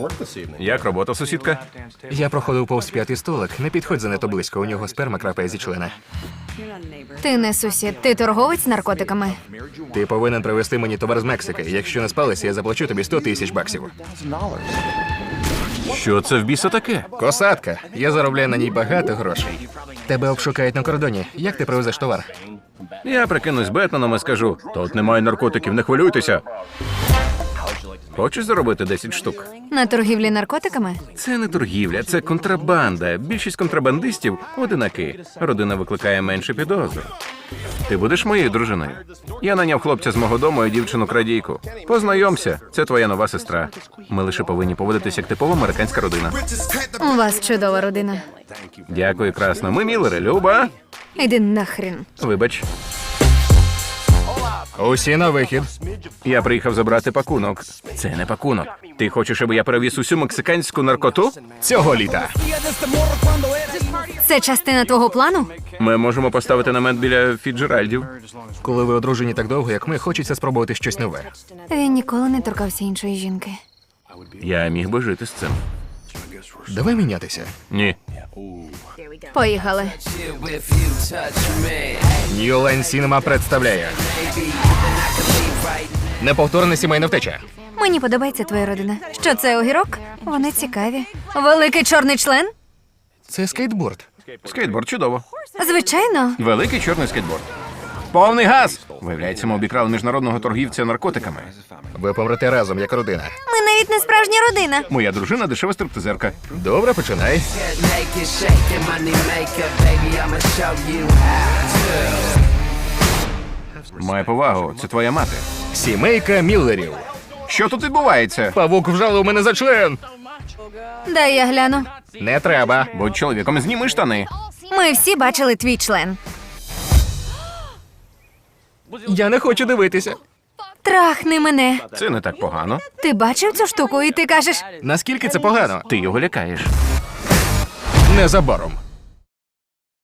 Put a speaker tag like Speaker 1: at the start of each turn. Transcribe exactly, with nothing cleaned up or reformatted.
Speaker 1: Як робота, сусідка?
Speaker 2: Я проходив повз п'ятий столик. Не підходь занадто близько, у нього сперма крапає зі члена.
Speaker 3: Ти не сусід, ти торговець наркотиками.
Speaker 2: Ти повинен привезти мені товар з Мексики. Якщо не спалися, я заплачу тобі сто тисяч баксів.
Speaker 1: Що це в біса таке?
Speaker 2: Косатка. Я заробляю на ній багато грошей. Тебе обшукають на кордоні. Як ти привезеш товар?
Speaker 1: Я прикинусь Бетменом і скажу, тут немає наркотиків, не хвилюйтеся. Хочеш заробити десять штук?
Speaker 3: На торгівлі наркотиками?
Speaker 1: Це не торгівля, це контрабанда. Більшість контрабандистів – одинаки. Родина викликає менше підозр. Ти будеш моєю дружиною? Я наняв хлопця з мого дому і дівчину-крадійку. Познайомся, це твоя нова сестра. Ми лише повинні поводитися як типова американська родина.
Speaker 3: У вас чудова родина.
Speaker 1: Дякую, красно. Ми Міллери, Люба.
Speaker 3: Іди нахрін.
Speaker 1: Вибач,
Speaker 2: Усі на вихід.
Speaker 1: я приїхав забрати пакунок. Це не пакунок. Ти хочеш, щоб я перевіз усю мексиканську наркоту?
Speaker 2: Цього літа.
Speaker 3: Це частина твого плану?
Speaker 1: Ми можемо поставити намет біля Фіджеральдів.
Speaker 2: Коли ви одружені так довго, як ми, хочеться спробувати щось нове.
Speaker 3: Він ніколи не торкався іншої жінки.
Speaker 1: Я міг би жити з цим.
Speaker 2: Давай мінятися.
Speaker 1: Ні.
Speaker 3: Поїхали.
Speaker 2: New Line Cinema представляє неповторна сімейна втеча.
Speaker 3: Мені подобається твоя родина. Що це, огірок? Вони цікаві. Великий чорний член?
Speaker 2: Це скейтборд.
Speaker 1: Скейтборд чудово.
Speaker 3: Звичайно.
Speaker 1: Великий чорний скейтборд. Повний газ! Виявляється, ми обікрали міжнародного торгівця наркотиками.
Speaker 2: Ви помрете разом, як родина.
Speaker 3: Ми навіть не справжня родина.
Speaker 1: Моя дружина дешева стриптизерка.
Speaker 2: Добре, починай.
Speaker 1: Має повагу, це твоя мати.
Speaker 2: Сімейка Міллерів.
Speaker 1: Що тут відбувається?
Speaker 2: Павук вжалив мене за член.
Speaker 3: Дай я гляну.
Speaker 2: Не треба.
Speaker 1: Будь чоловіком, зніми штани.
Speaker 3: Ми всі бачили твій член.
Speaker 2: Я не хочу дивитися.
Speaker 3: Трахни мене.
Speaker 1: Це не так погано.
Speaker 3: Ти бачив цю штуку і ти кажеш,
Speaker 2: Наскільки це погано?
Speaker 1: Ти його лякаєш.
Speaker 2: Незабаром.